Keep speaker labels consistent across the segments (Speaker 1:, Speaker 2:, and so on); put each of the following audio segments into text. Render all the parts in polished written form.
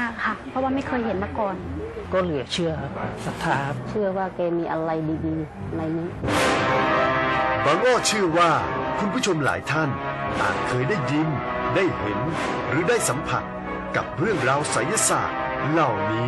Speaker 1: ากค่ะเพราะว่าไม่เคยเห็นมาก่อน
Speaker 2: ก็เหลือเชื่อศรัทธา
Speaker 3: เชื่อว่าแกมีอะไรดีๆในนี้
Speaker 4: บางอ้อเชื่อว่าคุณผู้ชมหลายท่านอาจเคยได้ยินได้เห็นหรือได้สัมผัสกับเรื่องราวไสยศาสตร์เหล่านี้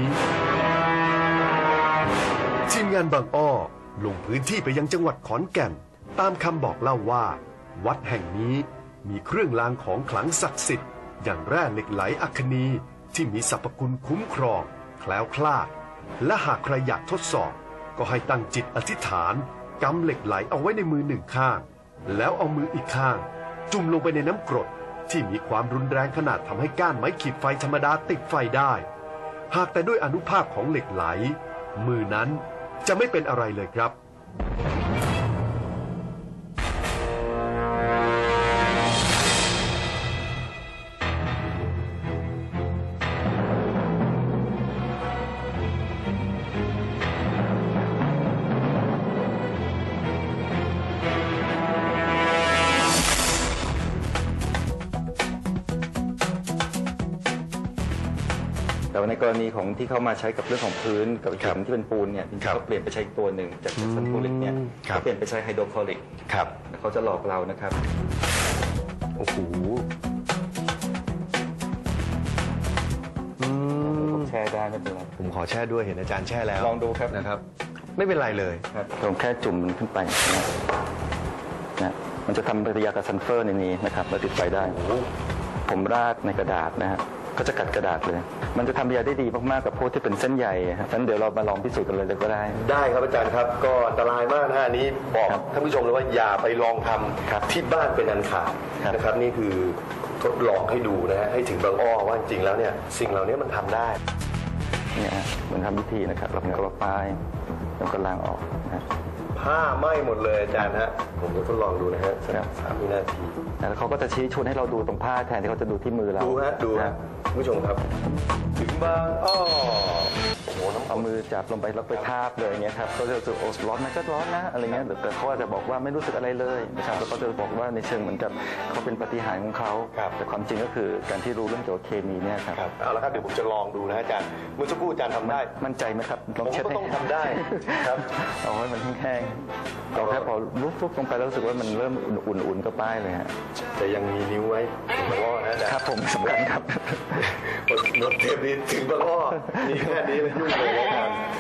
Speaker 4: ทีมงานบางอ้อลงพื้นที่ไปยังจังหวัดขอนแก่นตามคำบอกเล่าว่าวัดแห่งนี้มีเครื่องรางของขลังศักดิ์สิทธิ์อย่างแร่เหล็กไหลอัคนีที่มีสรรพคุณคุ้มครองแคล้วคลาดและหากใครอยากทดสอบก็ให้ตั้งจิตอธิษฐานกำเหล็กไหลเอาไว้ในมือหนึ่งข้างแล้วเอามืออีกข้างจุ่มลงไปในน้ำกรดที่มีความรุนแรงขนาดทำให้ก้านไม้ขีดไฟธรรมดาติดไฟได้หากแต่ด้วยอานุภาพของเหล็กไหลมือนั้นจะไม่เป็นอะไรเลยครับ
Speaker 5: แต่ในกรณีของที่เขามาใช้กับเรื่องของพื้นกับหินที่เป็นปูนเนี่ยเขาเปลี่ยนไปใช้ตัวหนึ่งจากซัลฟูริกเนี่ยเขาเปลี่ยนไปใช้ไฮโดรคลอริกเขาจะหลอกเรานะครับ
Speaker 4: โอ้โห
Speaker 5: ผมแช่ได้ไม่เป็นไร
Speaker 4: ผมขอแช่ด้วยเห็นอาจารย์แช่แล้ว
Speaker 5: ลองดูครับ
Speaker 4: นะครับไม่เป็นไรเลย
Speaker 5: ครับผมแค่จุ่มมันขึ้นไปนะมันจะทำปฏิกิริยากับซัลเฟอร์ในนี้นะครับแล้วติดไฟได้ผมราดในกระดาษนะฮะก็จะกัดกระดาษเลยมันจะทำยาได้ดีมากๆกับพวกที่เป็นเส้นใยฉะนั้นเดี๋ยวเรามาลองพิสูจน์กันเลยก็ได้
Speaker 4: ครับอาจารย์ครับก็อันตรายมากนะอันนี้บอกท่านผู้ชมเลยว่าอย่าไปลองทำที่บ้านเป็นอันขาดนะครับนี่คือทดลองให้ดูนะฮะให้ถึงบางอ้อว่าจริงแล้วเนี่ยสิ่งเหล่านี้มันทำได้
Speaker 5: เนี่ยเหมือนทำวิธีนะครับเราก็ป้ายแล้วก็ล้างออกนะ
Speaker 4: ผ้าไหม้หมดเลยอาจารย์ฮะผมจะทดลองดูนะฮะ3 วินาที
Speaker 5: แล้วเขาก็จะชี้ชวนให้เราดูตรงผ้าแทนที่เขาจะดูที่มือเรา
Speaker 4: ดูฮะผู้ชมครับถึงบางอ้อโอ้โหน้ำ
Speaker 5: เอามือจับลงไปแล้วไปทาบเลยเงี้ยครับก็จะรู้สึกโอ้ร้อนนะก็ร้อนนะอะไรเงี้ยแต่เขาอาจจะบอกว่าไม่รู้สึกอะไรเลยนะครับแล้วก็จะบอกว่าในเชิงเหมือนกับเขาเป็นปาฏิหาริย์ของเขาแต่ความจริงก็คือการที่รู้เรื่องเกี่ยวกับเคมีเนี่ยครับ
Speaker 4: เอาละครับเดี๋ยวผมจะลองดูนะอาจารย์เมื่อสักครู่อาจารย์ทำได้
Speaker 5: มั่นใจไหมครับ
Speaker 4: ลองเช็ดต้องทำได้ครับ
Speaker 5: เอาให้มันแห้งๆเราแค่พอลุกลงไปแล้วรู้สึกว่ามันเริ่มอุ่นๆก็ป้ายเลยฮะ
Speaker 4: แต่ยังมีนิ้วไว้ถึงบางอ้อนะอาจารย์
Speaker 5: ครับผมสำคัญครับ
Speaker 4: หมดเทปนี้ถึงบางอ้อมีแค่นี้แล้วยุ่งเลยอาจารย์